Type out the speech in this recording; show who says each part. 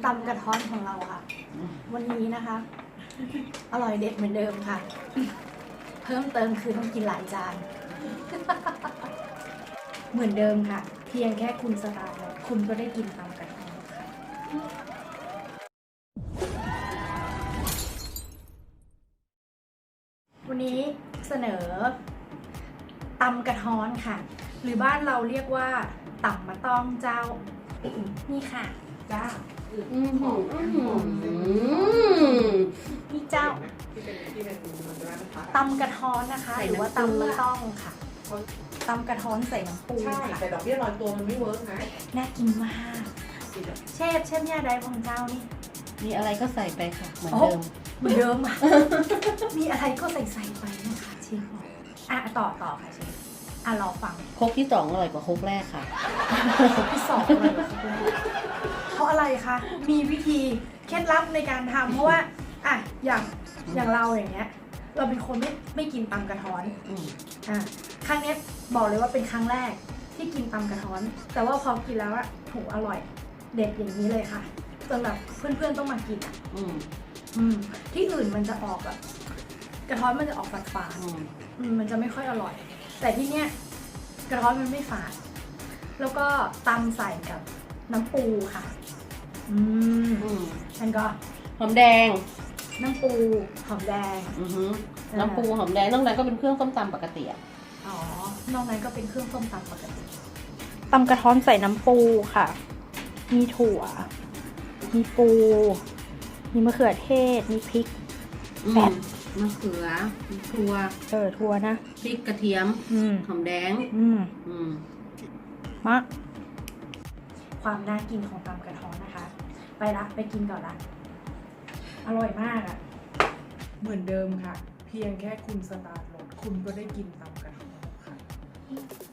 Speaker 1: ตำกระท้อนของเราค่ะ วันนี้นะคะ อร่อยเด็ดเหมือนเดิมค่ะ เพิ่มเติมคือต้องกินหลายจาน เหมือนเดิมค่ะ เพียงแค่คุณสตาร์ทคุณก็ได้กินตำกระท้อนค่ะ วันนี้เสนอตำกระท้อนค่ะ หรือบ้านเราเรียกว่าตำมะต้องเจ้า นี่ค่ะจ้านี่เจ้าตำกระท้อนนะคะ หรือว่าตำมะต้องค่ะตำกระท้อนใส่น้ำปู
Speaker 2: ใช่แต่ดอกเบี้ยลอยตัวมันไม่เวิร์กนะ
Speaker 1: น่ากินมากเชฟเนี่ยได้ของเจ้านี่
Speaker 3: มีอะไรก็ใส่ไปค่ะเหมือนเดิม
Speaker 1: เหมือนเดิมอ่ะ มีอะไรก็ใส่ไปนะคะเชฟบอกต่อค่ะเชฟรอฟัง
Speaker 3: โคกที่2อร่อยกว่าโคกแรกค่ะ
Speaker 1: ที่สองเลยเพราะอะไรคะ มีวิธีเคล็ดลับในการทำเพราะว่าอย่างเราอย่างเงี้ย เราเป็นคนไม่กินตำกระท้อนครั้งนี้บอกเลยว่าเป็นครั้งแรกที่กินตำกระท้อน แต่ว่าพอกินแล้วอะถูกอร่อยเด็ดอย่างนี้เลยค่ะจนแบบเพื่อนๆต้องมากินที่อื่นมันจะออกแบบกระท้อนมันจะออกฝาดๆมันจะไม่ค่อยอร่อย แต่ที่เนี้ยกระท้อนมันไม่ฝาดแล้วก็ตำใส่กับน้ำปูค่ะแล้วก็
Speaker 3: หอมแดง
Speaker 1: น้ำปูหอมแดง
Speaker 3: น้ำปูหอมแดงนอกนั้นก็เป็นเครื่องส้มตำปกติอ่ะ
Speaker 1: นอกนั้นก็เป็นเครื่องส้มตำปกติตำกระท้อนใส่น้ำปูค่ะ มีถั่ว มีปู มีมะเขือเทศ มีพริกแป๊บ
Speaker 3: มะเขือถั่ว
Speaker 1: ถั่วนะ
Speaker 3: พริกกระเทียมหอมแดง
Speaker 1: มะความน่ากินของตำกระท้อนนะคะ ไปกินก่อนละอร่อยมากอ่ะ
Speaker 2: เหมือนเดิมค่ะ เพียงแค่คุณสตาร์ทรถคุณก็ได้กินตำกระท้อนค่ะ